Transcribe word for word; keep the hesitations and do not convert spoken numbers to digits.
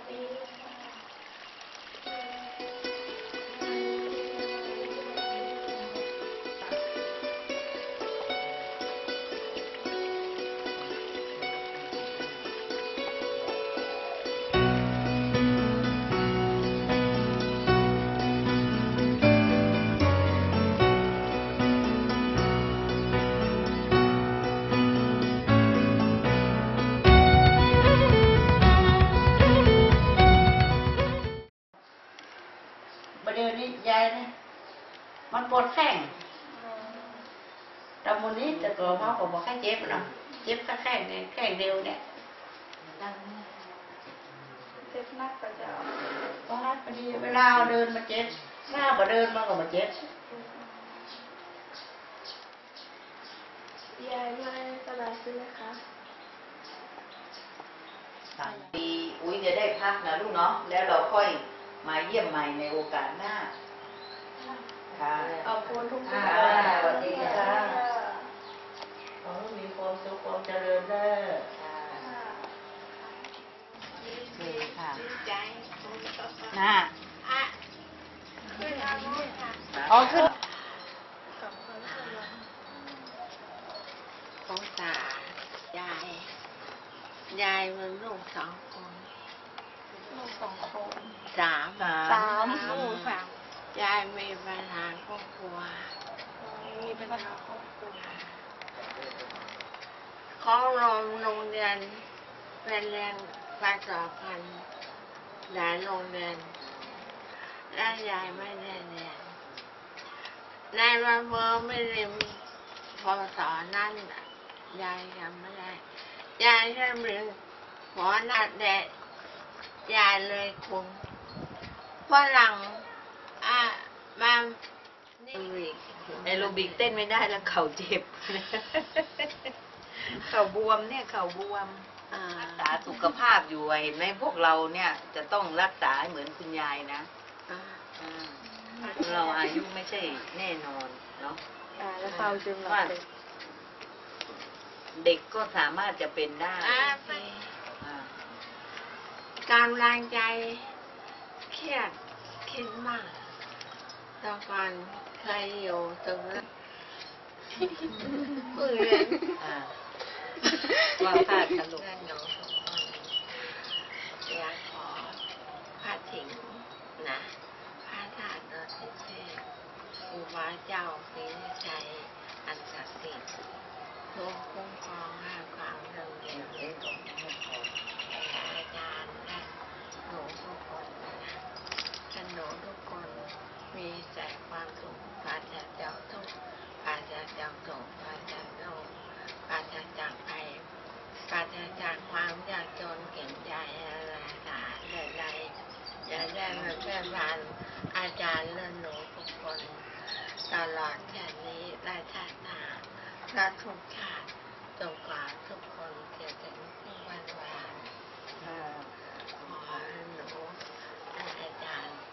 เดี๋ยวนี้ยายเนี่ยมันปวดแข้งแต่วันนี้แต่ตัวเขาก็บอกให้เจ็บเนาะเจ็บแค่แข้งเนี่ยแข้งเดียวเนี่ยเจ็บนักกว่าจะก็ฮัดพอดีเวลาเดินมาเจ็บถ้าบ่เดินมันก็มาเจ็บยายไม่สบายใช่ไหมคะปีอุ้ยจะได้พักนะลูกเนาะแล้วเราค่อยมาเยี่ยมใหม่ในโอกาสหน้าค่ะขอบคุณทุกท่านสวัสดีค่ะขอให้มีความสุขความเจริญเด้อดีค่ะน่าขึ้นอาโมค่ะอ๋อขึ้นของตายาย ยายมันลูกสองคนลูกสองคนสามสามลูกสามยายมีปัญหาครอบครัวมีปัญหาครอบครัวเขาลงโรงเรียนเป็นเรียนภาษาพันธ์หลายโรงเรียนและยายไม่ได้เรียนในวันเมื่อไม่เรียนพอสอนนั่นยายยังไม่ได้ยายแค่เรียนหมอนัดแดดยายเลยคงฝรั่งอ่ะมาแอโรบิกเต้นไม่ได้แล้วเข่าเจ็บเข่าบวมเนี่ยเข่าบวมรักษาสุขภาพอยู่เห็นไหมพวกเราเนี่ยจะต้องรักษาเหมือนคุณยายนะเราอายุไม่ใช่แน่นอนเนาะว่าเด็กก็สามารถจะเป็นได้การแรงใจเครียดคิดมากตอนก่อนเคยอยู่ตรงนั้นเพื่อนว่าพลาดตลกหนูสองคนอยากขอพระถิงนะพระธาตุดอยสุเทพครูบาเจ้าศรีวิชัยอันศักดิ์สิทธิ์ทรงคุ้มครองให้ความเรื่องเรียนเรื่องของอาจารย์และหนูทุกคนนะท่านหนูทุกคนมีแต่ความสุขปราศจากทุกข์ปราศจากโศกปราศจากโรคปราศจากภัยปราศจากความยากจนเข็ญใจอะไรต่างๆใดๆจะได้มาแค่บานอาจารย์และหนูทุกคนตลอดแค่นี้และชาติหน้าและทุกชาติจนกว่าทุกคนจะถึงวันวานขอหนูและอาจารย์